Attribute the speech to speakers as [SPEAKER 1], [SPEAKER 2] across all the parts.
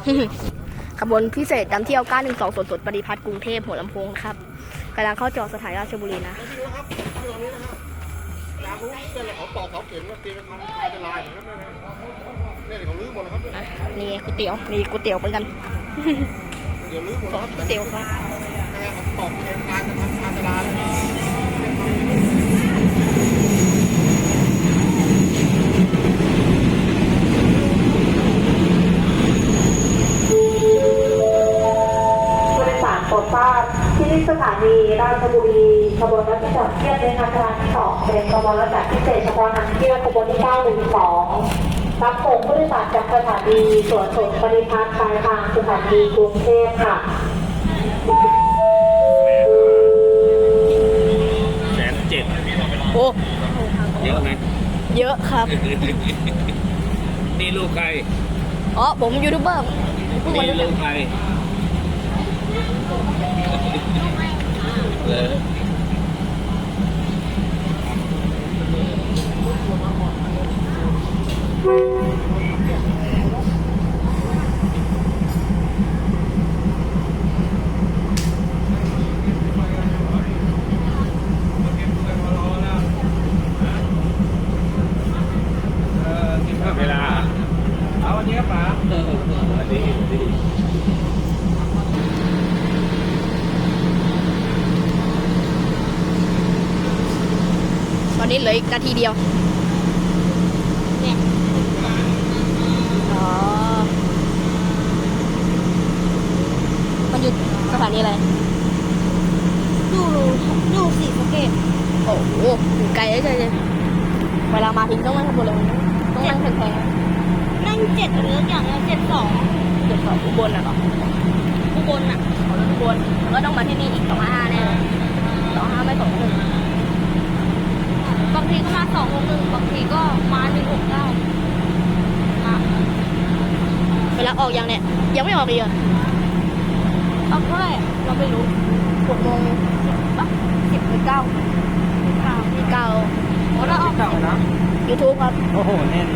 [SPEAKER 1] ขบวนพิเศษนำเที่ยว912สวนสดปฏิพัฒน์กรุงเทพหัวลำโพงครับกำลังเข้าจอดสถานีราชบุรีนะ
[SPEAKER 2] เขาตอกเสาเข็มแล้วตีเป็นลายอย่างนั้นเนี่ยเขาลื้อหมดแล้วครับ
[SPEAKER 1] นี่ก๋วยเตี๋ยวนี่ก๋วยเตี๋ยวเหมือนกัน
[SPEAKER 2] เดี๋ยวลื้อหมดแล้วครับ
[SPEAKER 1] ก๋วยเตี๋ยวครับ
[SPEAKER 2] เขาตอกเข็มลายจะทำการตลาด
[SPEAKER 3] โปรดทราบที่สถานีราชบุรีขบวนรถที่จอดเทียบในอาคารที่2เป็นขบวนรถแบบพิเศษเฉพาะนำเที่ยวขบวนที่912รับส่งผู้โดยสารจากสถานีสวนสดปฏิพัฒน์ปลายทางสถานีกรุงเทพค่ะ
[SPEAKER 1] 107,000โอ้
[SPEAKER 4] เยอะไหม
[SPEAKER 1] เยอะครับ
[SPEAKER 4] นี่ลูกใคร
[SPEAKER 1] อ๋อผมยูทูบเบอร์
[SPEAKER 4] นี่ลูกใครเวลาเอาวันนี้ครับป๋าดี
[SPEAKER 1] ตอนนี้เหลืออีกนาทีเดียวเนี่ยอ๋อมันอยู่สถานีอะไร
[SPEAKER 5] อยู่ศรีสะเกษ
[SPEAKER 1] โอ้โหอยู่ไกลเลยเลยเวลามาถึงต้องนั่งขบวนเลยต้องนั่งแพง
[SPEAKER 5] ๆนั่ง7หรืออย่างละ72
[SPEAKER 1] อุบลน่ะเหรอ
[SPEAKER 5] อุบลน่ะ
[SPEAKER 1] เขาอุบลแล้วก็ต้องมาที่นี่อีก255แน่255ไม่21
[SPEAKER 5] บางทีก็มา261บางทีก็มา169
[SPEAKER 1] เวลาออกยังเนี่ยยังไม่ออกเลย
[SPEAKER 5] เอาเท่าไหร่เราไม่รู้
[SPEAKER 1] 6 โมงป่ะ10 หรือ 9
[SPEAKER 5] โอ้เราออก
[SPEAKER 4] เก่านะ
[SPEAKER 1] YouTube ครับ
[SPEAKER 4] โอ้โหแน่น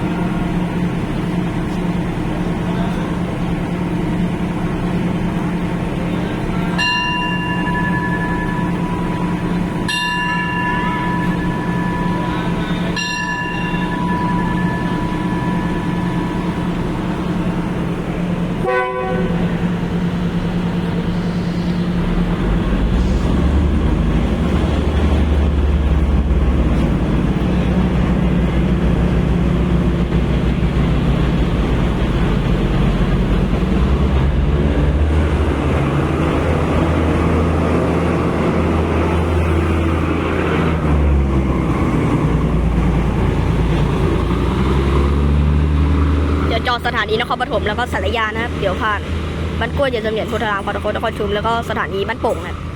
[SPEAKER 1] จอดสถานีนครปฐมแล้วก็สารยานะครับเดี๋ยวผ่านบ้านกล้วยเยนเสมียนโพธารามปตทนครชุมแล้วก็สถานีบ้านโป่งครับ